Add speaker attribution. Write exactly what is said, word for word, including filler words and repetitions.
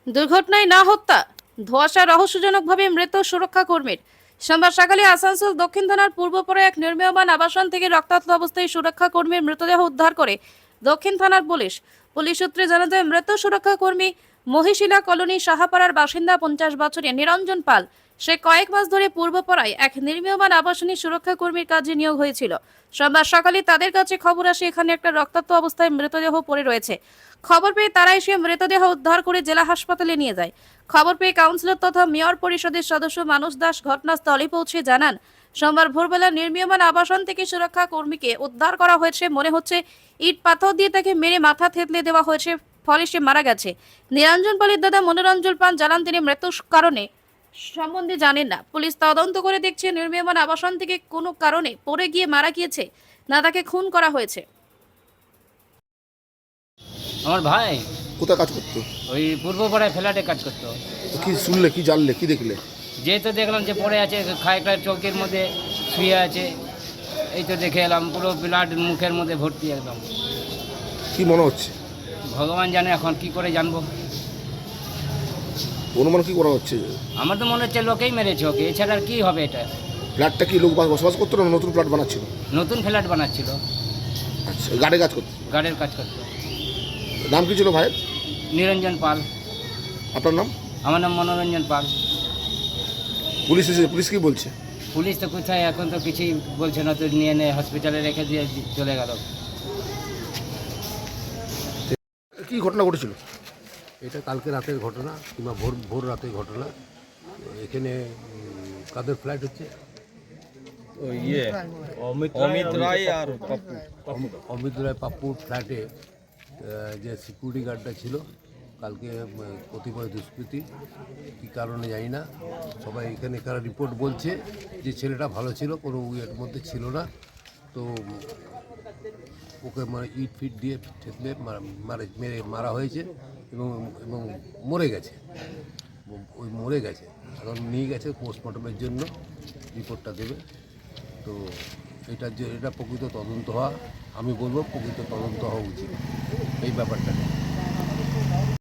Speaker 1: দুর্ঘটনায় না হত্যা, ধোঁয়াশা রহস্যজনকভাবে মৃত সুরক্ষা কর্মীর। সোমবার সকালে আসানসোল দক্ষিণ থানার পূর্বপাড়ায় এক নির্মীয়মান আবাসন থেকে রক্তাক্ত অবস্থায় সুরক্ষা কর্মীর মৃতদেহ উদ্ধার করে দক্ষিণ থানার পুলিশ। পুলিশ সূত্রে জানা যায়, মৃত সুরক্ষা কর্মী মহিশিলা কলোনি সাহাপাড়ার বাসিন্দা পঞ্চাশ বছরের নিরঞ্জন পাল। সে কয়েক মাস ধরে পূর্বপাড়ায় এক নির্মীয়মান আবাসনী সুরক্ষা কর্মীর কাজে নিয়োগ হয়েছিল। সোমবার সকালে তাদের কাছে খবর আসে এখানে একটা রক্তাক্ত অবস্থায় মৃতদেহ পড়ে রয়েছে। খবর পেয়ে তারা এসে মৃতদেহ উদ্ধার করে জেলা হাসপাতালে নিয়ে যায়। খবর পেয়ে কাউন্সিলর তথা মেয়র পরিষদের সদস্য মানুষ দাস ঘটনাস্থলে পৌঁছে জানান, সোমবার ভোরবেলা নির্মীয়মান আবাসন থেকে সুরক্ষা কর্মীকে উদ্ধার করা হয়েছে। মনে হচ্ছে ইট পাথর দিয়ে তাকে মেরে মাথা থেতলে দেওয়া হয়েছে, ফলে সে মারা গেছে। নিরঞ্জন পালের দাদা মনোরঞ্জন পান জানান, তিনি মৃত্যুর কারণে সম্বন্ধে জানেন না। পুলিশ তদন্ত করে দেখছে নির্মীয়মান আবাসন থেকে কোনো কারণে পড়ে গিয়ে মারা গিয়েছে, না তাকে খুন করা হয়েছে।
Speaker 2: আমার ভাই
Speaker 3: কোথায় কাজ করতো?
Speaker 2: ওই পূর্বপাড়ায় ফ্ল্যাটে কাজ করতো।
Speaker 3: তো কি শুনলে, কি জানলে, কি দেখলে?
Speaker 2: যে তো দেখলাম যে পড়ে আছে খায়কার চৌকির মধ্যে শুয়ে আছে, এই তো দেখে এলাম পুরো ব্লাড মুখের মধ্যে ভর্তি একদম।
Speaker 3: কি মনে হচ্ছে?
Speaker 2: ভগবান জানে, এখন কি করে জানবো।
Speaker 3: অনুমান কি করা হচ্ছে?
Speaker 2: আমার তো মনে হচ্ছে লোকেই মেরেছে ওকে, এছাড়া আর কি হবে। এটা
Speaker 3: ফ্ল্যাটটা কি লোক বসবাস করতো না নতুন ফ্ল্যাট বানাচ্ছিল?
Speaker 2: নতুন ফ্ল্যাট বানাচ্ছিল,
Speaker 3: আচ্ছা, গাড়ি কাজ করতো।
Speaker 2: গার্ডের কাজ করতো।
Speaker 3: নাম কি ছিল ভাইয়ের?
Speaker 2: নিরঞ্জন পাল।
Speaker 3: আপনার নাম?
Speaker 2: আমার নাম মনোরঞ্জন পাল।
Speaker 3: পুলিশ এসে, পুলিশ কি বলছে?
Speaker 2: পুলিশ তো কোথায়, এখন তো কিছুই বলছে না, তো নিয়ে নে হসপিটালে রেখে দিয়ে চলে গেল।
Speaker 3: কি ঘটনা ঘটেছিল?
Speaker 4: এটা কালকে রাতের ঘটনা কিংবা ভোর ভোর রাতের ঘটনা। এখানে উম, কাদের ফ্ল্যাট হচ্ছে?
Speaker 5: ওই ইয়ে অমিত রায় আর পাপ্পু
Speaker 4: অম- অমিত রায় পাপ্পুর ফ্ল্যাটে আহ, যে সিকিউরিটি গার্ডটা ছিল কালকে উম, কতিপয় দুষ্কৃতী, কী কারণে জানি না, সবাই এখানে কারা রিপোর্ট বলছে যে ছেলেটা ভালো ছিল, কোনো ইয়ের মধ্যে ছিল না। তো উম, ওকে মানে ইট ফিট দিয়ে ঠেকলে মারে মেরে মারা হয়েছে এবং এবং মরে গেছে। ওই মরে গেছে, এখন নিয়ে গেছে পোস্টমর্টমের জন্য, রিপোর্টটা দেবে। তো এটা যে এটা প্রকৃত তদন্ত হওয়া, আমি বলবো প্রকৃত তদন্ত হওয়া উচিত এই ব্যাপারটা।